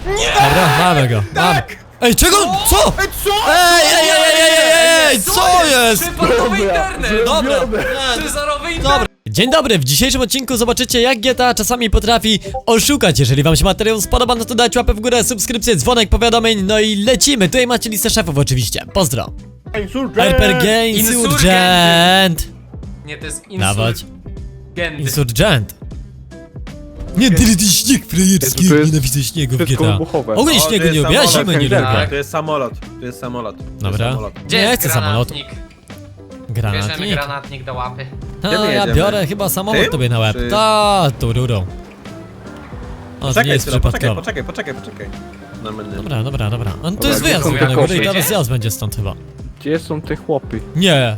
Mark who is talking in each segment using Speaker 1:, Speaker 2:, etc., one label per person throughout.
Speaker 1: Dobra, mamy go.
Speaker 2: Tak!
Speaker 1: Ej, czego? Co?
Speaker 2: Co?
Speaker 1: Ej, co jest?
Speaker 3: Przypadkowy internet!
Speaker 1: Dobra,
Speaker 3: Cezarowy internet!
Speaker 1: dobra. Dzień dobry, w dzisiejszym odcinku zobaczycie, jak GTA czasami potrafi oszukać. Jeżeli wam się materiał spodoba, no to dajcie łapę w górę, subskrypcję, dzwonek, powiadomień, no i lecimy. Tutaj macie listę szefów oczywiście, pozdro. RPG Insurgent.
Speaker 3: Nie, to jest
Speaker 1: Dawać.
Speaker 3: Insurgent.
Speaker 1: Insurgent. Nie, tyle ty śnieg frajerski,
Speaker 4: to jest
Speaker 1: nienawidzę śniegu w
Speaker 4: wszystko
Speaker 1: GTA.
Speaker 4: wybuchowe.
Speaker 1: Ogólnie
Speaker 2: O,
Speaker 1: śniegu
Speaker 2: to
Speaker 1: nie
Speaker 2: jest
Speaker 1: lubię, ja
Speaker 2: samolot.
Speaker 1: zimy nie
Speaker 4: Tak.
Speaker 1: lubię.
Speaker 2: To jest samolot, to jest samolot. To jest
Speaker 1: Dobra.
Speaker 2: samolot.
Speaker 3: Gdzie
Speaker 1: Nie
Speaker 3: jest
Speaker 1: chcę samolotu.
Speaker 3: granatnik? Bierzemy
Speaker 1: Granatnik.
Speaker 3: granatnik do łapy.
Speaker 1: A,
Speaker 2: Gdzie my
Speaker 1: ja
Speaker 2: jedziemy?
Speaker 1: biorę chyba samolot
Speaker 2: Tym?
Speaker 1: tobie na łeb.
Speaker 2: Czy-
Speaker 1: Ta, tu rurą. O, to nie
Speaker 2: Czekaj,
Speaker 1: jest przypadkowo.
Speaker 2: poczekaj. Na mnie.
Speaker 1: Dobra. On to
Speaker 4: Dobra,
Speaker 1: jest
Speaker 4: gdzie
Speaker 1: wyjazd
Speaker 4: są
Speaker 1: tylko na górę i
Speaker 3: Jakoby?
Speaker 1: teraz zjazd będzie stąd chyba.
Speaker 4: Gdzie są te chłopy?
Speaker 1: Nie.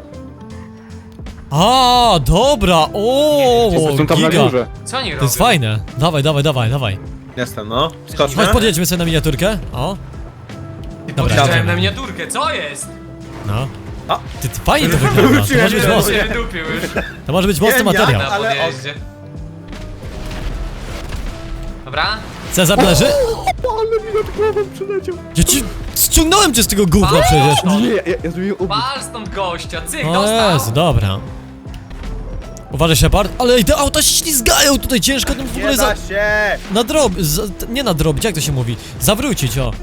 Speaker 1: A, dobra, o,
Speaker 4: Są tam na
Speaker 1: giga.
Speaker 4: górze.
Speaker 3: Co oni robią?
Speaker 1: To jest fajne. Dawaj.
Speaker 2: Jestem, no. Skoczmy.
Speaker 1: Chodź, podjedźmy sobie na miniaturkę. O, dobra,
Speaker 3: Podjeżdżałem
Speaker 1: jedziemy.
Speaker 3: na miniaturkę, co jest?
Speaker 1: No.
Speaker 2: A.
Speaker 1: Ty fajnie to wygląda. To może być
Speaker 2: Nie,
Speaker 1: mocny,
Speaker 3: się wydupił już
Speaker 1: to może być mocny
Speaker 2: Nie,
Speaker 1: materiał.
Speaker 3: na
Speaker 2: Ale
Speaker 3: podjeździe. Dobra?
Speaker 1: Cezar leży?
Speaker 4: Ale mi nad głową przyleciał.
Speaker 1: Ja ci ściągnąłem cię z tego gówna przecież.
Speaker 4: Nie, ja zrobiłem obóz.
Speaker 3: Pal stąd gościa, cyk,
Speaker 1: O
Speaker 3: dostał!
Speaker 1: Jezu, dobra. Uważaj, Shepard, ale te auta się ślizgają tutaj ciężko tym w ogóle
Speaker 2: Nie da się!
Speaker 1: nie nadrobić, jak to się mówi? Zawrócić, o.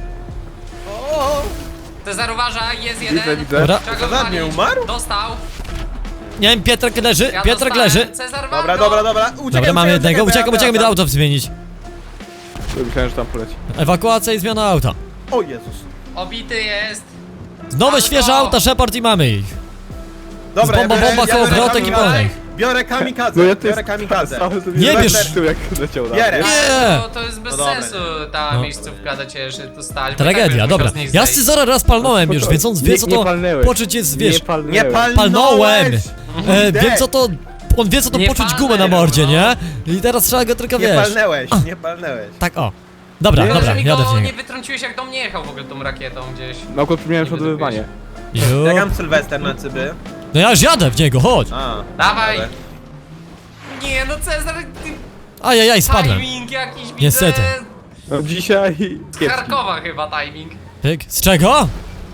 Speaker 3: Cezar uważa, jest jeden.
Speaker 4: Widzę.
Speaker 1: Dobra.
Speaker 3: Trzeba go
Speaker 2: Cezar nie
Speaker 3: wywalić.
Speaker 2: umarł?
Speaker 3: Dostał.
Speaker 1: Nie wiem, Pietrek leży,
Speaker 3: Ja
Speaker 1: Pietrek
Speaker 3: dostałem.
Speaker 1: leży.
Speaker 3: Cezar wal go.
Speaker 2: Dobra. Uciekaj,
Speaker 1: Dobra, mamy jednego, uciekamy do auta zmienić.
Speaker 4: Myślałem, że tam poleci.
Speaker 1: Ewakuacja i zmiana auta.
Speaker 2: O Jezus.
Speaker 3: Obity jest.
Speaker 1: Nowe,
Speaker 3: Auto.
Speaker 1: świeże auta, Shepard i mamy ich.
Speaker 2: Dobra,
Speaker 1: Z bombą, bomba, kołowrotek i pełnej.
Speaker 2: Biorę kamikadze,
Speaker 4: No ja to
Speaker 2: biorę kamikadze.
Speaker 1: Nie bierz.
Speaker 4: Jak leciał na
Speaker 2: Bierę.
Speaker 1: Nie.
Speaker 3: To jest bez
Speaker 2: No dobra.
Speaker 3: sensu ta
Speaker 1: No.
Speaker 3: miejscówka do ciebie, że tu stali.
Speaker 1: Tragedia, dobra. Ja Scyzora raz palnąłem już, więc on wie co
Speaker 4: Nie
Speaker 1: to
Speaker 4: palnęłeś.
Speaker 1: poczuć jest, wiesz,
Speaker 2: Nie
Speaker 1: palnąłem.
Speaker 2: palnąłeś!
Speaker 1: Wiem co to, on wie co to
Speaker 3: Nie
Speaker 1: poczuć gumę na
Speaker 3: palnę,
Speaker 1: mordzie,
Speaker 3: no.
Speaker 1: nie? I teraz trzeba go tylko,
Speaker 2: Nie
Speaker 1: wiesz.
Speaker 2: palnęłeś.
Speaker 1: Tak, o. Dobra,
Speaker 4: Nie,
Speaker 1: dobra,
Speaker 3: mi
Speaker 1: jadę w
Speaker 3: go
Speaker 1: niego.
Speaker 3: nie wytrąciłeś, jak do mnie jechał w ogóle tą rakietą gdzieś.
Speaker 4: Na okno przypomniałem przodowywanie.
Speaker 1: Ju.
Speaker 2: Jak mam Sylwester na cyby?
Speaker 1: No ja już jadę w niego, chodź.
Speaker 2: A,
Speaker 3: Dawaj.
Speaker 2: ale-
Speaker 3: Nie no Cezar, ty
Speaker 1: Ajajaj, spadłem.
Speaker 3: timing jakiś widzę.
Speaker 1: Niestety.
Speaker 4: No dzisiaj...
Speaker 3: Z
Speaker 4: kiepski.
Speaker 3: Charkowa chyba timing.
Speaker 1: Pyk. Z czego?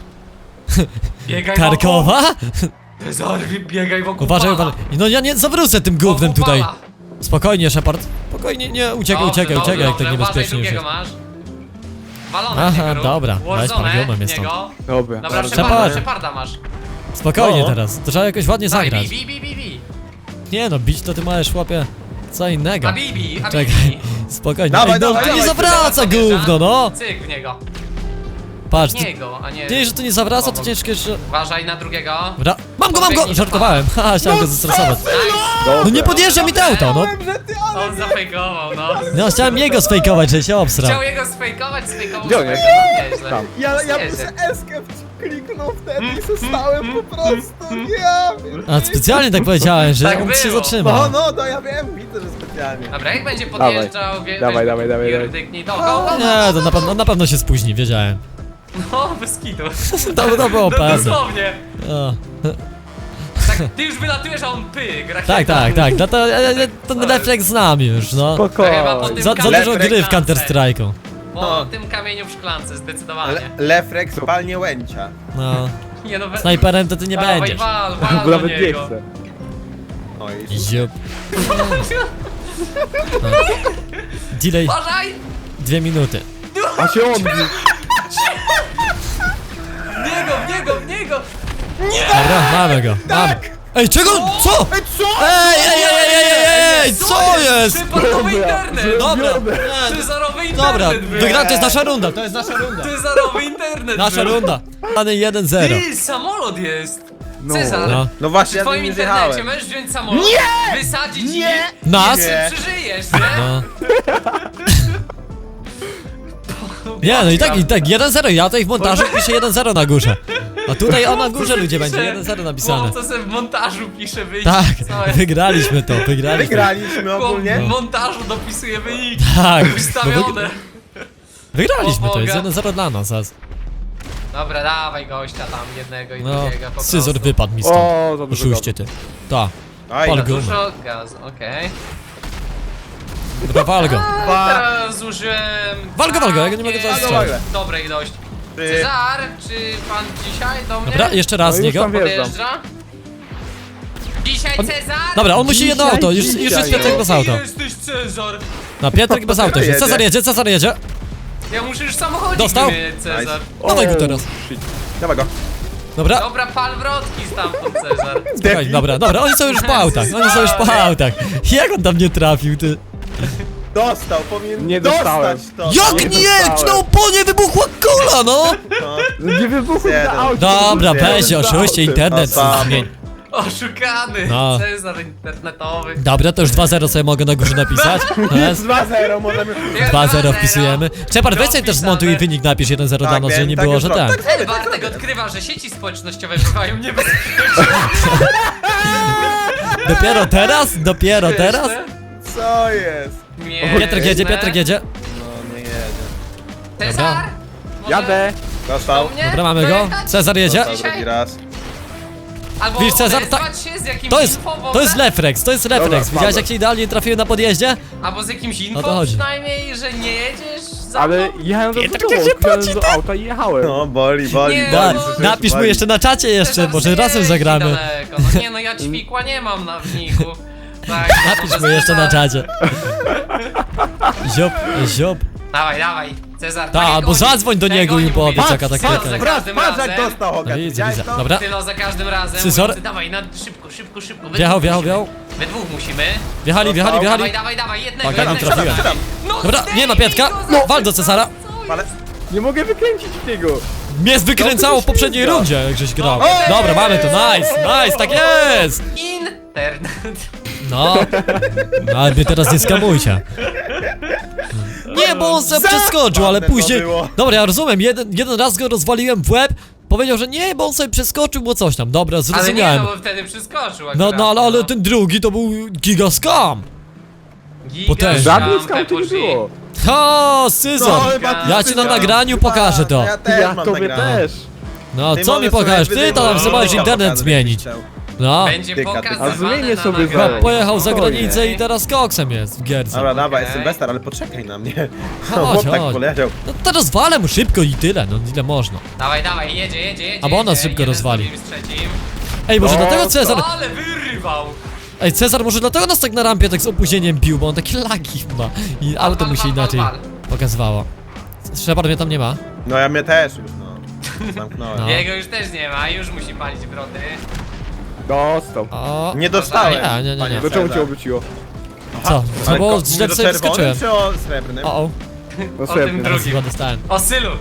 Speaker 3: Biegaj
Speaker 1: Karkowa?
Speaker 3: wokół. Cezar, biegaj wokół
Speaker 1: Uważaj,
Speaker 3: pala.
Speaker 1: uważaj. No ja nie zawrócę tym gównem
Speaker 3: Wokół
Speaker 1: tutaj.
Speaker 3: pala.
Speaker 1: Spokojnie, Shepard. Spokojnie, nie, uciekaj,
Speaker 3: Dobrze,
Speaker 1: jak tak
Speaker 3: dobrze.
Speaker 1: niebezpiecznie już
Speaker 3: Uważaj,
Speaker 1: jest.
Speaker 3: drugiego masz. Walone
Speaker 1: Aha,
Speaker 3: w niego rób.
Speaker 1: dobra. Weź
Speaker 3: Warzone
Speaker 1: pargiumem
Speaker 3: w
Speaker 1: jest
Speaker 3: niego.
Speaker 4: Dobra.
Speaker 3: Dobra,
Speaker 1: Shepard.
Speaker 3: Sheparda masz.
Speaker 1: Spokojnie
Speaker 2: No.
Speaker 1: teraz, to trzeba jakoś ładnie
Speaker 3: Daj,
Speaker 1: zagrać.
Speaker 3: bi.
Speaker 1: Nie no, bić to ty masz, chłopie, co innego.
Speaker 3: A Bibi.
Speaker 1: Czekaj, spokojnie.
Speaker 2: Dawaj,
Speaker 1: Ej, no
Speaker 2: dawaj,
Speaker 1: to nie
Speaker 2: dawaj,
Speaker 1: zawraca gówno, no!
Speaker 3: Cyk w niego.
Speaker 1: Patrz,
Speaker 3: Niego, a nie...
Speaker 1: nie, że to nie zawraca, to
Speaker 3: Obok.
Speaker 1: ciężko jeszcze...
Speaker 3: Uważaj na drugiego.
Speaker 1: Dobra. Mam go!
Speaker 3: Podbiegnij do
Speaker 1: Żartowałem, haha, chciałem go zestresować.
Speaker 3: Nice.
Speaker 4: Dobra.
Speaker 1: No nie podjeżdża mi to auto, no!
Speaker 3: On zafejkował, no.
Speaker 1: No chciałem jego sfejkować, że się obsrał.
Speaker 3: Chciał jego sfejkować
Speaker 4: Gdzie on jest?
Speaker 3: Nieźle.
Speaker 4: Tam.
Speaker 2: Ja
Speaker 3: Jedzie.
Speaker 2: muszę escape kliknął wtedy i zostałem po prostu, ja wiem.
Speaker 1: A specjalnie tak powiedziałem, że
Speaker 3: Tak
Speaker 1: on się
Speaker 3: było.
Speaker 1: zatrzyma.
Speaker 2: No, ja wiem, widzę, że specjalnie.
Speaker 3: Dobra, jak będzie podjeżdżał,
Speaker 4: Dawaj.
Speaker 3: pierdyknij do go.
Speaker 1: Nie, to na pewno się spóźni, wiedziałem.
Speaker 3: No, bez kitu.
Speaker 1: To było
Speaker 3: No,
Speaker 1: pewne.
Speaker 3: dosłownie.
Speaker 1: O.
Speaker 3: Tak, ty już wylatujesz, a on pyk.
Speaker 1: Tak, no to ten refleks znam już, no.
Speaker 3: Chyba po
Speaker 4: Spokojnie.
Speaker 3: tym
Speaker 1: Za dużo
Speaker 2: Refleks
Speaker 1: gry w Counter Strike'u.
Speaker 3: Po tym kamieniu w szklance, zdecydowanie.
Speaker 2: Lefrex palnie łęcia.
Speaker 1: No.
Speaker 3: Nie no,
Speaker 1: Snajperem to ty nie
Speaker 3: dawaj,
Speaker 1: będziesz.
Speaker 3: wal
Speaker 4: Bo
Speaker 3: do
Speaker 4: nawet nie
Speaker 3: niego.
Speaker 4: chcę.
Speaker 2: O i
Speaker 1: Ziup. Delay
Speaker 3: Uważaj!
Speaker 1: 2 minuty.
Speaker 4: A się on...
Speaker 3: W niego!
Speaker 1: Dobra, mamy go. Mamy. Ej, czego? Co?
Speaker 2: Co?
Speaker 1: Ej, co jest?
Speaker 3: Przypadkowy internet!
Speaker 1: Dobra,
Speaker 3: Cezarowy
Speaker 1: dobra,
Speaker 3: internet był!
Speaker 1: wygra, to jest nasza runda, to jest nasza runda.
Speaker 3: Cezarowy internet
Speaker 1: Nasza
Speaker 3: był.
Speaker 1: runda. Dany 1-0.
Speaker 3: Ty, samolot jest! Cezar,
Speaker 1: No.
Speaker 2: No właśnie,
Speaker 3: w
Speaker 2: ja
Speaker 3: twoim
Speaker 2: tym nie
Speaker 3: internecie
Speaker 2: zjechałem.
Speaker 3: możesz wziąć samolot, wysadzić i
Speaker 1: Nas?
Speaker 2: Nie.
Speaker 3: przeżyjesz, nie?
Speaker 1: No. Nie, no i tak, 1-0, ja tutaj w montażu piszę 1-0 na górze. A tutaj o na górze ludzie będzie 1-0 napisane.
Speaker 3: Co sobie w montażu pisze wynik.
Speaker 1: Tak,
Speaker 3: Co jest?
Speaker 1: wygraliśmy to, wygraliśmy.
Speaker 2: Wygraliśmy
Speaker 3: Chłop
Speaker 2: ogólnie.
Speaker 3: w montażu dopisuje wyniki.
Speaker 1: Tak, bo
Speaker 3: Wystawione.
Speaker 1: wygraliśmy to, jest
Speaker 3: Boga.
Speaker 1: 1-0 dla nas. aż.
Speaker 3: Dobra, dawaj gościa tam jednego i
Speaker 1: No,
Speaker 3: drugiego po prostu.
Speaker 1: scyzor wypadł mi stąd.
Speaker 4: O, za dużo
Speaker 1: Oszuście ty. Ta.
Speaker 2: Aj,
Speaker 1: Pal
Speaker 2: no.
Speaker 1: gumę.
Speaker 3: Dużo gazu, okej.
Speaker 1: Dobra, wal go.
Speaker 3: Teraz zużyłem...
Speaker 1: Wal go, ja go nie mogę
Speaker 2: Walgo,
Speaker 1: zastrzelić.
Speaker 2: walgo.
Speaker 3: Dobrej dość.
Speaker 2: Ty.
Speaker 3: Cezar, czy pan dzisiaj do mnie
Speaker 1: Dobra, jeszcze raz z
Speaker 4: No już
Speaker 1: niego.
Speaker 4: tam wjeżdżam.
Speaker 3: podjeżdża? Dzisiaj Cezar?
Speaker 1: Dobra, on musi jedno
Speaker 4: Dzisiaj,
Speaker 1: auto, już jest
Speaker 4: dzisiaj.
Speaker 1: Piotrek bez auta.
Speaker 3: Jesteś Cezar.
Speaker 1: No, Piotrek bez auta już jest.
Speaker 2: Jedzie.
Speaker 1: Cezar jedzie.
Speaker 3: Ja muszę już samochodzik
Speaker 1: Dostał?
Speaker 3: wymienić, Cezar.
Speaker 1: Dawaj go teraz.
Speaker 2: Dawaj go.
Speaker 1: Dobra,
Speaker 3: Dobra, pal wrotki stamtąd, Cezar.
Speaker 1: słuchaj, dobra, oni są już po autach, Jak on tam nie trafił, ty?
Speaker 2: Dostał, powinien
Speaker 4: Nie dostałem.
Speaker 2: dostać to.
Speaker 1: Jak nie? Na oponie wybuchła kula, no!
Speaker 2: No.
Speaker 4: Nie wybuchł
Speaker 2: Jeden.
Speaker 4: na aucie.
Speaker 1: Dobra,
Speaker 2: Jeden
Speaker 1: weź,
Speaker 2: za
Speaker 1: oszuście,
Speaker 2: autem.
Speaker 1: internet
Speaker 2: To samo.
Speaker 1: zmień.
Speaker 3: Oszukany.
Speaker 1: No.
Speaker 3: Cezar internetowy.
Speaker 1: Dobra, to już 2-0 sobie mogę na górze napisać. No jest.
Speaker 2: 2-0 możemy...
Speaker 1: 2-0 wpisujemy. Shepard, weź sobie też zmontuj wynik, napisz 1-0 dla nas, żeby nie
Speaker 2: tak
Speaker 1: było,
Speaker 2: już
Speaker 1: że
Speaker 2: robię.
Speaker 1: ten.
Speaker 2: Tak zrobię, tak
Speaker 3: Bartek
Speaker 2: zrobię.
Speaker 3: odkrywa, że sieci społecznościowe bywają niebezpieczne.
Speaker 1: Dopiero teraz?
Speaker 2: Co jest?
Speaker 1: Piotrek jedzie.
Speaker 2: No, nie jedzie.
Speaker 3: Cezar? Może
Speaker 4: Jadę.
Speaker 2: Dostał.
Speaker 3: do mnie
Speaker 1: Dobra, mamy go.
Speaker 3: dojechać?
Speaker 1: Cezar jedzie.
Speaker 2: Dostał
Speaker 3: Dzisiaj?
Speaker 2: drugi raz.
Speaker 3: Albo
Speaker 1: Widzisz, Cezar,
Speaker 3: odezwać się z jakimś
Speaker 1: To jest
Speaker 3: info w ogóle?
Speaker 1: refleks, Widziałeś
Speaker 4: mamy.
Speaker 1: jak się idealnie trafiły na podjeździe?
Speaker 3: Albo z jakimś
Speaker 1: O
Speaker 3: info
Speaker 1: to chodzi.
Speaker 3: przynajmniej, że nie jedziesz za
Speaker 4: Ale
Speaker 3: mną?
Speaker 4: jechałem do
Speaker 1: Piotrek,
Speaker 4: tyłu,
Speaker 1: jak się
Speaker 4: wsiadłem
Speaker 1: poci,
Speaker 4: do auta i jechałem.
Speaker 2: No, boli.
Speaker 3: Nie,
Speaker 1: Da,
Speaker 3: no,
Speaker 1: napisz mu jeszcze na czacie jeszcze,
Speaker 3: Cezar
Speaker 1: może
Speaker 3: zjeździ
Speaker 1: razem zagramy.
Speaker 3: daleko. No nie no, ja ćwikła nie mam na wniku. Tak,
Speaker 1: Napisz
Speaker 3: może
Speaker 1: mu jeszcze na
Speaker 3: Cezar.
Speaker 1: czacie. Ziop.
Speaker 3: Dawaj, Cezar.
Speaker 1: Ta,
Speaker 3: tego
Speaker 1: albo
Speaker 3: nie-
Speaker 1: zadzwoń do
Speaker 3: tego
Speaker 1: niego i
Speaker 3: nie
Speaker 1: powiedz
Speaker 3: mówię.
Speaker 1: jaka
Speaker 3: Patrz,
Speaker 1: taktyka
Speaker 3: za
Speaker 1: jest.
Speaker 3: każdym
Speaker 2: Patrz jak
Speaker 3: razem.
Speaker 2: dostał, Hogan.
Speaker 1: Widzę,
Speaker 2: Widziałeś
Speaker 1: widzę.
Speaker 2: to?
Speaker 1: Dobra.
Speaker 3: Tylo za każdym razem.
Speaker 1: Cezar?
Speaker 3: Mówiący, dawaj, szybko. We
Speaker 1: Wjechał.
Speaker 3: dwóch musimy. We dwóch musimy.
Speaker 1: Wjechali.
Speaker 3: Dawaj, jednego.
Speaker 1: Uwaga, nie
Speaker 3: jednego.
Speaker 1: trafiłem.
Speaker 3: No,
Speaker 1: Dobra, nie ma Piotrka.
Speaker 3: No,
Speaker 1: Wal do Cezara.
Speaker 2: Ale...
Speaker 4: Nie mogę wykręcić tego.
Speaker 1: Mnie wykręcało w poprzedniej rundzie, jak żeś grał. Dobra, mamy to, nice, tak jest!
Speaker 3: Internet.
Speaker 1: No, ale mnie teraz nie skamujcie. Nie, bo on se przeskoczył, ale
Speaker 2: Zabawne to
Speaker 1: później...
Speaker 2: było.
Speaker 1: Dobra, ja rozumiem, jeden raz go rozwaliłem w łeb, powiedział, że nie, bo on sobie przeskoczył, bo coś tam. Dobra,
Speaker 3: Ale nie,
Speaker 1: zrozumiałem.
Speaker 3: no bo wtedy przeskoczył
Speaker 1: No,
Speaker 3: akurat,
Speaker 1: ale ten drugi to był giga scam. potężny.
Speaker 4: Żadnych skałów nie było.
Speaker 1: O, Scyzor!
Speaker 2: No, chyba ty
Speaker 1: Ja ci na
Speaker 2: wygrał.
Speaker 1: nagraniu pokażę to.
Speaker 2: Ja też
Speaker 4: Ja
Speaker 2: mam
Speaker 4: tobie
Speaker 2: nagrane.
Speaker 4: też.
Speaker 1: No,
Speaker 2: Ty
Speaker 1: co mi
Speaker 2: możesz sobie
Speaker 1: pokażesz? Ty to tam
Speaker 2: wydymować.
Speaker 1: sobie możesz
Speaker 2: No,
Speaker 1: internet
Speaker 2: pokażę,
Speaker 1: zmienić.
Speaker 2: jakbyś chciał.
Speaker 1: No.
Speaker 3: Będzie
Speaker 2: Tyka, tyka.
Speaker 3: pokazywane
Speaker 4: A zmienię
Speaker 3: na
Speaker 4: sobie
Speaker 3: nagraniu.
Speaker 4: zaraz.
Speaker 1: Pojechał za
Speaker 4: Spokojnie.
Speaker 1: granicę i teraz koksem jest w gierce.
Speaker 2: Dobra, dawaj,
Speaker 3: Okej.
Speaker 2: Sylwester, ale poczekaj na mnie.
Speaker 1: Chodź,
Speaker 2: Chłop tak
Speaker 1: chodź.
Speaker 2: poleciał.
Speaker 1: No teraz walę mu szybko i tyle, no ile można.
Speaker 3: Dawaj, jedzie.
Speaker 1: Albo on nas
Speaker 3: jedzie.
Speaker 1: szybko
Speaker 3: Jeden z
Speaker 1: rozwali.
Speaker 3: drugim, z trzecim.
Speaker 1: Ej, może
Speaker 4: No,
Speaker 1: dlatego Cezar...
Speaker 3: Ale wyrywał.
Speaker 1: Ej, Cezar może dlatego nas tak na rampie tak z opóźnieniem bił, bo on takie lagi ma. I auto mu się
Speaker 3: wal,
Speaker 1: inaczej
Speaker 3: wal.
Speaker 1: pokazywało. Shepard mnie tam nie ma.
Speaker 2: No ja mnie też już, no. Zamknąłem.
Speaker 1: No.
Speaker 3: Jego już też nie ma, już musi palić wroty.
Speaker 4: Dostał.
Speaker 1: O,
Speaker 2: Nie dostałem.
Speaker 1: Nie.
Speaker 2: panie
Speaker 4: Do czemu cię
Speaker 2: Cezar.
Speaker 4: obróciło?
Speaker 1: co? Co
Speaker 2: Ale
Speaker 1: było
Speaker 2: mówię
Speaker 1: źle
Speaker 2: do
Speaker 1: sobie
Speaker 2: czerwonym
Speaker 1: wskoczyłem.
Speaker 2: czy o srebrnym?
Speaker 1: O,
Speaker 4: No
Speaker 3: O
Speaker 4: sobie.
Speaker 3: tym
Speaker 1: teraz
Speaker 3: drugim.
Speaker 1: chyba dostałem.
Speaker 3: O Sylu.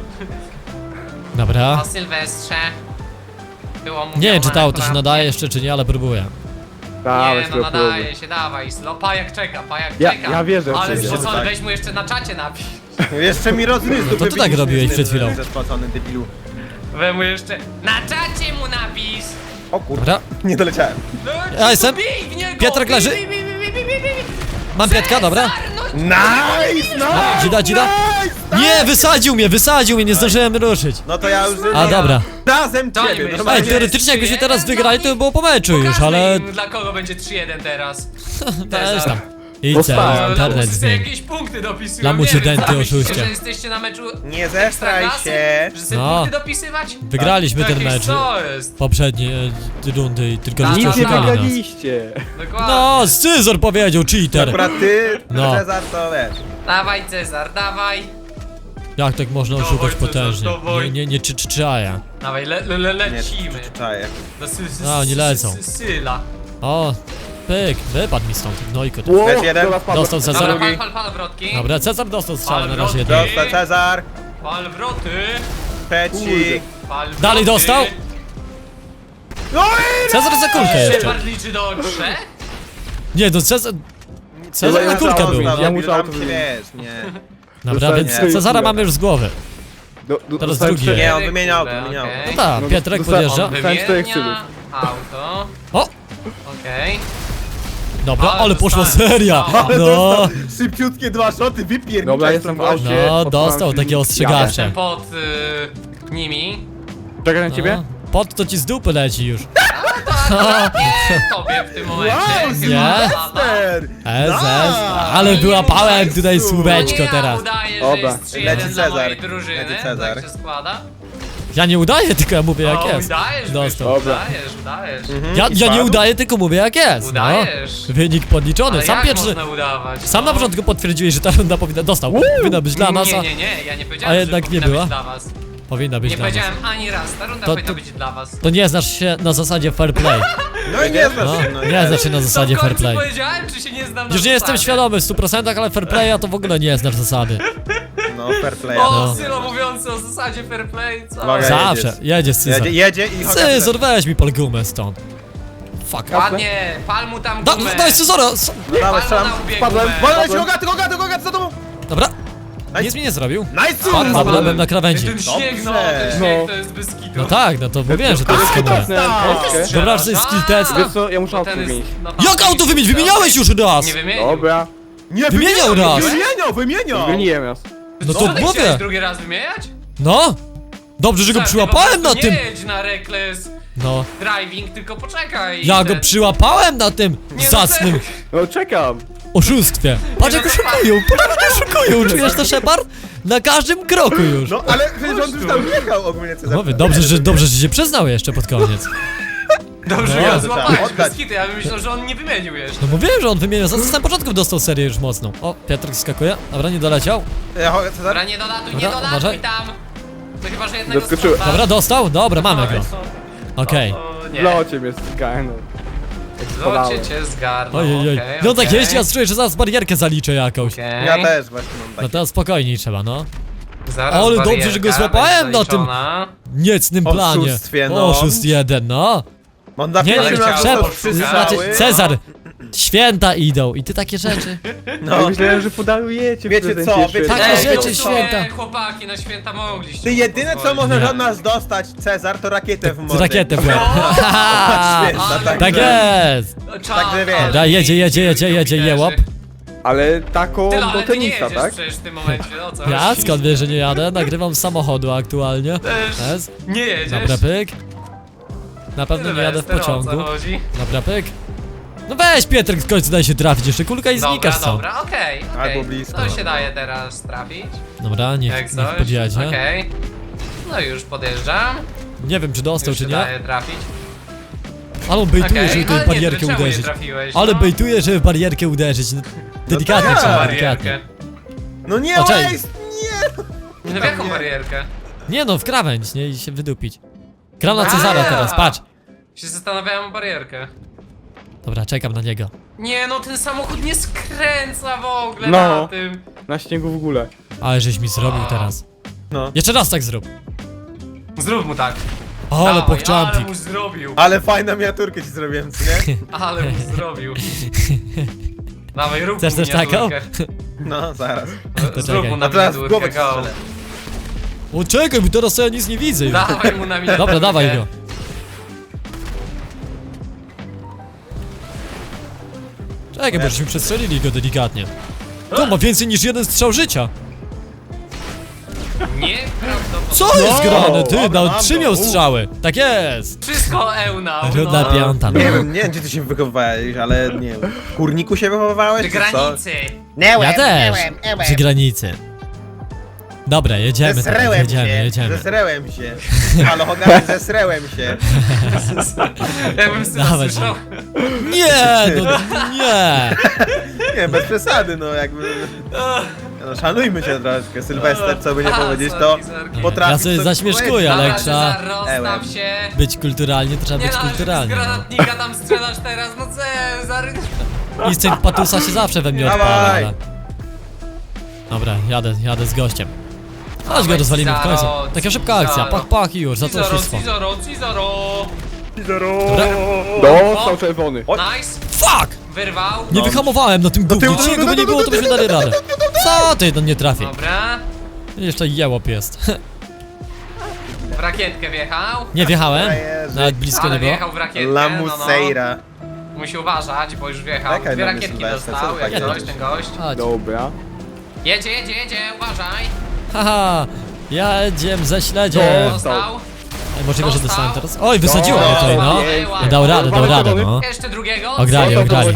Speaker 1: Dobra.
Speaker 3: O Sylwestrze. Było mu
Speaker 1: Nie wiem, czy to auto się
Speaker 3: akurat.
Speaker 1: nadaje jeszcze, czy nie, ale próbuję.
Speaker 4: Dawaj,
Speaker 3: Nie, no nadaje się, dawaj. Pajak czeka.
Speaker 4: Ja wierzę w
Speaker 3: Ale
Speaker 4: ciebie.
Speaker 3: spocony,
Speaker 2: Tak.
Speaker 3: weź mu jeszcze na czacie napisz.
Speaker 2: Jeszcze mi rozgryzł
Speaker 1: No to ty tak robiłeś przed chwilą.
Speaker 2: Zespłacony debilu.
Speaker 3: We mu jeszcze... Na czacie mu napisz!
Speaker 2: O kurde,
Speaker 1: Dobra.
Speaker 2: nie doleciałem.
Speaker 3: No,
Speaker 1: Ja jestem.
Speaker 3: bij w niego!
Speaker 1: Piotrek leży.
Speaker 3: Bij.
Speaker 1: Mam Piotrka, dobra.
Speaker 3: Cezar, no,
Speaker 2: Nice, no!
Speaker 1: Dzida. Nie, wysadził mnie, nie zdążyłem ruszyć.
Speaker 2: No to ja już...
Speaker 1: A, dobra.
Speaker 2: Razem
Speaker 3: To nie
Speaker 2: ciebie,
Speaker 3: myśl.
Speaker 1: Ej,
Speaker 2: normalnie.
Speaker 1: teoretycznie jakbyśmy teraz wygrali, to by było po meczu już,
Speaker 3: pokażmy
Speaker 1: ale...
Speaker 3: im, dla kogo będzie 3-1 teraz.
Speaker 1: Też tam. Idź
Speaker 4: Dostałem.
Speaker 1: internet
Speaker 3: Lamusy sobie
Speaker 1: zmień.
Speaker 3: jakieś punkty dopisują.
Speaker 1: Lamusie
Speaker 3: nie wiem,
Speaker 1: denty,
Speaker 3: co myślicie,
Speaker 1: oszuście.
Speaker 3: że jesteście na meczu
Speaker 2: Nie zestraj
Speaker 3: Ekstraklasy?
Speaker 2: się.
Speaker 3: Że sobie
Speaker 1: No.
Speaker 3: punkty dopisywać?
Speaker 1: Wygraliśmy ten
Speaker 3: Jakieś
Speaker 1: mecz.
Speaker 3: co jest?
Speaker 1: Poprzednie rundy i tylko
Speaker 3: Tak,
Speaker 1: żeście
Speaker 4: Nic nie
Speaker 1: oszukali nas.
Speaker 4: wygraliście.
Speaker 3: Dokładnie.
Speaker 1: No, Scyzor powiedział, cheater.
Speaker 2: Dobra, ty,
Speaker 1: No.
Speaker 2: Cezar, to wiesz.
Speaker 3: Dawaj Cezar, dawaj.
Speaker 1: Jak tak można
Speaker 3: Dawaj,
Speaker 1: oszukać
Speaker 3: Cezar,
Speaker 1: potężnie?
Speaker 3: dawaj.
Speaker 1: Nie czaja.
Speaker 3: Dawaj,
Speaker 2: Nie,
Speaker 3: lecimy.
Speaker 2: czaję.
Speaker 3: Do
Speaker 1: oni lecą.
Speaker 3: Syla.
Speaker 1: O, pyk, wypadł mi stąd, gnojko. to.
Speaker 2: Lecz jeden.
Speaker 4: dobra, wpadłem.
Speaker 1: Dostał
Speaker 3: Dobra,
Speaker 1: Cezar.
Speaker 3: pal wrotki.
Speaker 1: Dobra, Cezar dostał strzał na razie
Speaker 3: Dobra.
Speaker 1: jeden.
Speaker 2: Dostał Cezar.
Speaker 3: Pal wroty.
Speaker 2: Trzeci.
Speaker 3: Pal wroty.
Speaker 1: Dalej dostał?
Speaker 2: No i...
Speaker 1: Cezar za kulkę jeszcze.
Speaker 3: Shepard liczy do 3.
Speaker 1: Nie, to Cezar... Cezar na kulkę był.
Speaker 4: Ja muszę auto
Speaker 2: się
Speaker 4: wymienić.
Speaker 2: wiesz, nie.
Speaker 1: Dobra, więc
Speaker 2: Nie.
Speaker 1: Cezara mamy już z głowy.
Speaker 4: Teraz
Speaker 1: Teraz drugi.
Speaker 2: Nie, on wymieniał, wymieniał.
Speaker 1: No tak,
Speaker 4: No,
Speaker 1: Piotrek
Speaker 4: dostałem-
Speaker 1: podjeżdża.
Speaker 3: On
Speaker 4: Dostałem 4
Speaker 3: wymienia auto.
Speaker 1: O,
Speaker 3: Okej.
Speaker 1: dobra,
Speaker 3: Ale
Speaker 1: ale poszła
Speaker 3: dostałem.
Speaker 1: seria.
Speaker 3: Ale
Speaker 1: No,
Speaker 2: Szybciutkie 2 szoty, wypierniczaj.
Speaker 4: Dobra, jestem w aucie.
Speaker 1: no,
Speaker 4: Odpalam
Speaker 1: dostał
Speaker 4: silnik,
Speaker 1: takie ostrzegawcze.
Speaker 3: Jestem pod nimi.
Speaker 4: Czekaj na ciebie?
Speaker 1: No, pot to ci z dupy leci już.
Speaker 3: To Nie tobie w tym momencie.
Speaker 2: Wow,
Speaker 3: chyba
Speaker 1: Nie?
Speaker 3: lata.
Speaker 1: Ale wyłapałem tutaj
Speaker 3: To
Speaker 1: słóweczko
Speaker 3: nie
Speaker 1: teraz.
Speaker 3: Ja udaję, że
Speaker 4: Dobra.
Speaker 3: jest 3-1
Speaker 2: Leci
Speaker 3: dla mojej
Speaker 2: Cezar.
Speaker 3: drużyny.
Speaker 2: Leci Cezar.
Speaker 3: Tak się składa.
Speaker 1: Ja nie udaję, tylko ja mówię jak
Speaker 3: O,
Speaker 1: jest.
Speaker 3: udajesz,
Speaker 1: Dostał.
Speaker 3: Byku,
Speaker 4: Dobra.
Speaker 3: udajesz.
Speaker 1: Ja nie udaję, tylko mówię jak jest. No.
Speaker 3: Udajesz.
Speaker 1: Wynik podliczony.
Speaker 3: Ale
Speaker 1: Sam
Speaker 3: jak
Speaker 1: pierwszy.
Speaker 3: można udawać?
Speaker 1: Sam na
Speaker 3: no?
Speaker 1: początku potwierdziłeś, że ta runda powinna. Powinna być dla nas, a
Speaker 3: Nie, ja nie powiedziałem,
Speaker 1: a jednak
Speaker 3: że
Speaker 1: nie
Speaker 3: powinna
Speaker 1: była?
Speaker 3: być dla was.
Speaker 1: powinna być
Speaker 3: Nie
Speaker 1: dla nas.
Speaker 3: powiedziałem ani raz, ta runda
Speaker 1: To-
Speaker 3: powinna
Speaker 1: to-
Speaker 3: być dla was.
Speaker 1: To nie znasz się na zasadzie fair play.
Speaker 2: No i nie znasz
Speaker 1: No,
Speaker 2: się, no i
Speaker 1: nie znasz się na
Speaker 3: To
Speaker 1: zasadzie
Speaker 3: w
Speaker 1: fair
Speaker 3: końcu
Speaker 1: play.
Speaker 3: powiedziałem, czy się nie znam na
Speaker 1: Już nie jestem
Speaker 3: zasadzie?
Speaker 1: świadomy w 100%, ale fair playa to w ogóle nie znasz zasady.
Speaker 2: No, fair play.
Speaker 3: O,
Speaker 1: No.
Speaker 3: Sylo mówiący o zasadzie fair play, co?
Speaker 2: Uwaga.
Speaker 1: Zawsze. Jedzie Cyzor.
Speaker 2: Jedzie i chodzi.
Speaker 1: Cyzor, weź mi pol gumę stąd. Fuck.
Speaker 3: Ładnie, pal mu tam gumę.
Speaker 1: Daj Cyzora!
Speaker 2: No dawaj,
Speaker 3: Pal mu
Speaker 2: strzelam.
Speaker 3: na ubieg
Speaker 4: Spadłem.
Speaker 3: gumę.
Speaker 2: Wolę ci Rogaty, za tobą!
Speaker 1: Dobra. Nic mi nie zrobił.
Speaker 2: Nice!
Speaker 1: Fuck, dobra, byłem na krawędzi.
Speaker 3: Ten śnieg, no,
Speaker 2: Dobrze.
Speaker 3: ten śnieg
Speaker 4: No.
Speaker 3: to jest bez kitu.
Speaker 1: No tak, no to mówiłem, że to jest skill test.
Speaker 4: Troszkę.
Speaker 1: Dobra, że jest skill test.
Speaker 4: Wiesz co, ja muszę
Speaker 3: Bo
Speaker 4: auto
Speaker 3: ten jest
Speaker 4: wymienić.
Speaker 3: naprawdę
Speaker 1: Jak auto wymienić?
Speaker 3: niski.
Speaker 1: Wymieniałeś już raz!
Speaker 3: Nie wymienił.
Speaker 4: Dobra.
Speaker 2: Nie,
Speaker 1: Wymieniał raz.
Speaker 2: Wymieniał!
Speaker 4: Wymieniłem raz.
Speaker 1: No
Speaker 3: Co,
Speaker 1: to
Speaker 3: ty chciałeś
Speaker 1: mówię.
Speaker 3: drugi raz wymieniać?
Speaker 1: No. Dobrze, że go
Speaker 3: Tak,
Speaker 1: przyłapałem
Speaker 3: po
Speaker 1: na
Speaker 3: prostu
Speaker 1: tym.
Speaker 3: Nie jedź na reckless
Speaker 1: No.
Speaker 3: driving, tylko poczekaj.
Speaker 1: Ja
Speaker 3: i
Speaker 1: go
Speaker 3: ten-
Speaker 1: przyłapałem na tym
Speaker 3: Nie, no
Speaker 1: zacnym
Speaker 3: serio.
Speaker 4: No czekam.
Speaker 1: oszustwie. Patrz jak
Speaker 3: no to
Speaker 1: oszukują, patrz jak oszukują. Czujesz to, Shepard? Na każdym kroku już.
Speaker 2: No, ale przecież on już tam jechał ogólnie, Cezar.
Speaker 1: Mówię, dobrze, że się przyznał jeszcze pod koniec.
Speaker 3: Dobrze,
Speaker 1: No.
Speaker 3: ja
Speaker 2: Trzeba
Speaker 3: złapałem
Speaker 2: oddać.
Speaker 3: bez kitu, ja bym myślał, że on nie wymienił jeszcze.
Speaker 1: No mówiłem, że on wymienia. Za samym początku dostał serię już mocną. O, Piotrek skakuje. Dobra, nie doleciał.
Speaker 2: Cezar?
Speaker 3: Dobra, nie dolatuj, nie
Speaker 1: Dobra,
Speaker 3: dolatuj
Speaker 1: uważaj.
Speaker 3: tam. To chyba, że jednego
Speaker 4: Zaskoczyłem.
Speaker 3: strzała.
Speaker 1: Dobra, dostał? Dobra, mamy go. Okej.
Speaker 3: O, nie.
Speaker 4: W locie mnie stykałem. No.
Speaker 3: Zobaczcie cię zgarnął,
Speaker 1: Ojej.
Speaker 3: okej,
Speaker 1: No tak
Speaker 3: okej.
Speaker 1: jeździ, ja czuję, że zaraz barierkę zaliczę jakąś.
Speaker 3: Okej.
Speaker 2: Ja też właśnie mam
Speaker 1: No
Speaker 2: taki.
Speaker 1: to spokojniej trzeba, no.
Speaker 3: Zaraz
Speaker 1: Ale dobrze,
Speaker 3: barierka
Speaker 1: że go złapałem
Speaker 3: będzie
Speaker 1: na tym
Speaker 3: zaliczona.
Speaker 1: niecnym planie.
Speaker 2: Oszustwie, no.
Speaker 1: Oszust jeden, no.
Speaker 2: On na
Speaker 1: Nie,
Speaker 2: pierwszym
Speaker 3: chciał,
Speaker 2: raz
Speaker 1: Szep,
Speaker 2: to przystrzały.
Speaker 1: znaczy Cezar. Święta idą i ty takie rzeczy.
Speaker 2: No.
Speaker 4: Ja myślałem, że podarujecie
Speaker 2: Wiecie
Speaker 4: prezencie
Speaker 2: co,
Speaker 4: jeszcze.
Speaker 2: wiecie-
Speaker 1: Takie
Speaker 3: Ej,
Speaker 1: rzeczy
Speaker 3: no co,
Speaker 1: święta.
Speaker 3: chłopaki, na święta mogliście.
Speaker 2: Ty jedyne co
Speaker 3: pozwolić.
Speaker 2: możesz
Speaker 1: Nie.
Speaker 2: od nas dostać, Cezar, to rakietę w mordę.
Speaker 1: Rakietę w łeb.
Speaker 2: Święta,
Speaker 3: Ale-
Speaker 2: tak.
Speaker 1: Tak jest.
Speaker 2: Także wiesz.
Speaker 1: Dobra, jedzie, jełop.
Speaker 4: Ale taką
Speaker 3: Tyle,
Speaker 4: do
Speaker 3: ale ty nie
Speaker 4: tenisa,
Speaker 3: jedziesz
Speaker 4: tak?
Speaker 3: przecież w tym momencie, o co
Speaker 1: Ja
Speaker 3: chodzi?
Speaker 1: skąd wiesz, że nie jadę? Nagrywam z samochodu aktualnie.
Speaker 3: Też
Speaker 1: Jest.
Speaker 3: nie jedziesz.
Speaker 1: Dobra, pyk. Na pewno nie jadę w
Speaker 3: Sylwester, o co
Speaker 1: pociągu.
Speaker 3: chodzi?
Speaker 1: Dobra, pyk. No weź Pietrek, w końcu daj się trafić, jeszcze kulka i znikasz
Speaker 3: Dobra,
Speaker 1: stąd.
Speaker 3: dobra, okej.
Speaker 2: Albo blisko,
Speaker 3: To się
Speaker 2: dobra.
Speaker 3: daje teraz trafić,
Speaker 1: Dobra,
Speaker 3: jak
Speaker 1: niech
Speaker 3: coś.
Speaker 1: podjedzie.
Speaker 3: Okej. No już podjeżdżam.
Speaker 1: Nie wiem, czy dostał,
Speaker 3: Już
Speaker 1: czy
Speaker 3: się
Speaker 1: nie.
Speaker 3: daje trafić.
Speaker 1: Ale on bejtuje,
Speaker 3: Okej,
Speaker 1: żeby
Speaker 3: ale
Speaker 1: tutaj w barierkę
Speaker 3: czemu nie
Speaker 1: uderzyć.
Speaker 3: trafiłeś,
Speaker 1: Ale
Speaker 3: no?
Speaker 1: bejtuje, żeby w barierkę uderzyć. No, delikatnie
Speaker 2: tak.
Speaker 1: trzeba,
Speaker 3: Barierkę.
Speaker 1: delikatnie.
Speaker 2: No nie,
Speaker 1: O, cześć.
Speaker 2: Waze, nie!
Speaker 3: No w jaką
Speaker 2: nie.
Speaker 3: barierkę?
Speaker 1: Nie no, w krawędź, nie? I się wydupić. Gram na
Speaker 3: A,
Speaker 1: Cezara
Speaker 3: ja.
Speaker 1: teraz, patrz.
Speaker 3: Się zastanawiałem o barierkę.
Speaker 1: Dobra, czekam na niego.
Speaker 3: Nie no, ten samochód nie skręca w ogóle
Speaker 4: No.
Speaker 3: na tym.
Speaker 4: Na śniegu w ogóle.
Speaker 1: Ale żeś mi zrobił teraz.
Speaker 2: No.
Speaker 1: Jeszcze raz tak zrób.
Speaker 3: Zrób mu tak.
Speaker 1: Ale
Speaker 3: Dawaj, ale
Speaker 1: pokczampik.
Speaker 3: mu zrobił.
Speaker 2: Ale fajną miniaturkę ci zrobiłem, co nie?
Speaker 3: Ale mu zrobił. Dawaj, rób
Speaker 1: Chcesz
Speaker 3: mu
Speaker 1: też taką?
Speaker 3: miniaturkę.
Speaker 2: No, zaraz.
Speaker 1: To
Speaker 3: Zrób
Speaker 1: czekaj.
Speaker 3: mu na
Speaker 2: A teraz w
Speaker 3: miniaturkę,
Speaker 2: głowę ci
Speaker 3: go.
Speaker 2: strzelę.
Speaker 1: O czekaj, bo teraz ja nic nie widzę już.
Speaker 3: Dawaj mu na miniaturkę.
Speaker 1: Dobra, dawaj go. Czekaj, bo żeśmy przestrzelili go delikatnie. To ma więcej niż jeden strzał życia.
Speaker 3: Nieprawdopodobne.
Speaker 1: Co jest grane? Ty,
Speaker 2: dobra,
Speaker 1: na
Speaker 2: mam
Speaker 1: 3
Speaker 2: go.
Speaker 1: miał strzały. Tak jest.
Speaker 3: Wszystko ełnał,
Speaker 1: Runda
Speaker 3: no.
Speaker 1: piąta, no.
Speaker 2: Nie wiem, gdzie ty się wychowywałeś, ale nie wiem. W kurniku się wychowywałeś,
Speaker 3: Przy
Speaker 2: czy co?
Speaker 3: granicy.
Speaker 1: Ja też. Przy granicy. Dobra, jedziemy teraz,
Speaker 2: Zesrełem
Speaker 1: jedziemy,
Speaker 2: się,
Speaker 1: jedziemy.
Speaker 2: zesrełem się. Halo, Hogarth, zesrełem się.
Speaker 3: Jakbym syna
Speaker 1: Dawaj,
Speaker 3: słyszał.
Speaker 1: Nie, no nie.
Speaker 2: Nie, bez przesady, no jakby... No, szanujmy się troszkę, Sylwester, co by nie
Speaker 3: A,
Speaker 2: powiedzieć, to
Speaker 3: sorki, sorki.
Speaker 2: potrafi...
Speaker 1: Ja sobie
Speaker 2: coś
Speaker 1: zaśmieszkuję,
Speaker 2: powiedzieć.
Speaker 1: ale
Speaker 3: Dobra,
Speaker 1: trzeba
Speaker 3: Cezar, rozstaw się.
Speaker 1: być kulturalnie, to trzeba
Speaker 3: Nie
Speaker 1: być
Speaker 3: no, że z
Speaker 1: kulturalnie. No.
Speaker 3: granatnika tam strzelasz teraz, no Cezar.
Speaker 1: Instynkt patusa się zawsze we mnie
Speaker 2: Dawaj.
Speaker 1: odpala, ale... Dobra, jadę z gościem. Chodź go rozwalimy w końcu. Taka szybka akcja, pach i już, za to wszystko.
Speaker 3: Cizoro.
Speaker 1: Dobra.
Speaker 4: Dostał czerwony.
Speaker 3: Nice,
Speaker 1: Fuck!
Speaker 3: wyrwał.
Speaker 1: Nie wyhamowałem na tym gównie,
Speaker 2: tyłu,
Speaker 1: czy by nie było, to byśmy dali radę. Co ty, no nie trafi.
Speaker 3: Dobra,
Speaker 1: Jeszcze jełop jest.
Speaker 3: w rakietkę wjechał.
Speaker 1: Nie wjechałem,
Speaker 2: Frajerzy.
Speaker 1: nawet blisko nie
Speaker 3: Ale
Speaker 1: było.
Speaker 3: wjechał w rakietkę,
Speaker 2: Lamuseira.
Speaker 3: Musi uważać, bo już wjechał.
Speaker 2: Czekaj
Speaker 3: Dwie
Speaker 2: na mnie,
Speaker 3: rakietki
Speaker 2: Sylwester,
Speaker 3: dostał,
Speaker 2: co
Speaker 3: jak
Speaker 2: ty
Speaker 3: coś,
Speaker 2: jedziesz?
Speaker 3: ten gość.
Speaker 1: Chodź.
Speaker 4: Dobra.
Speaker 3: Jedzie, uważaj.
Speaker 1: Haha, jedziem ze śledziem.
Speaker 3: Dostał.
Speaker 1: Możliwe, że
Speaker 3: Dostał.
Speaker 1: dostałem teraz. Oj, wysadziło mnie tutaj, no.
Speaker 3: Ej, ładnie.
Speaker 1: Dał radę, no.
Speaker 3: Jeszcze drugiego.
Speaker 1: Ograli, ograli.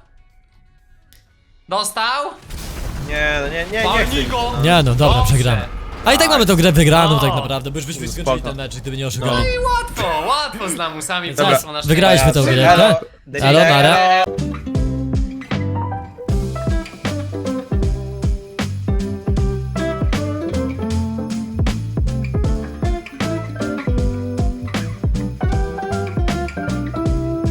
Speaker 3: Dostał.
Speaker 2: Nie, no nie chcę.
Speaker 3: Walnij go.
Speaker 1: Nie no, dobra,
Speaker 3: Dobrze.
Speaker 1: przegramy. A i tak mamy tę grę wygraną
Speaker 3: No.
Speaker 1: tak naprawdę, bo już byśmy skończyli
Speaker 2: Spoko.
Speaker 1: ten mecz, gdyby nie oszukali.
Speaker 3: Łatwo z lamusami.
Speaker 1: Dobra,
Speaker 3: Zasło nasz
Speaker 1: wygraliśmy tę grę,
Speaker 2: Elo,
Speaker 1: tak? Elo, nara.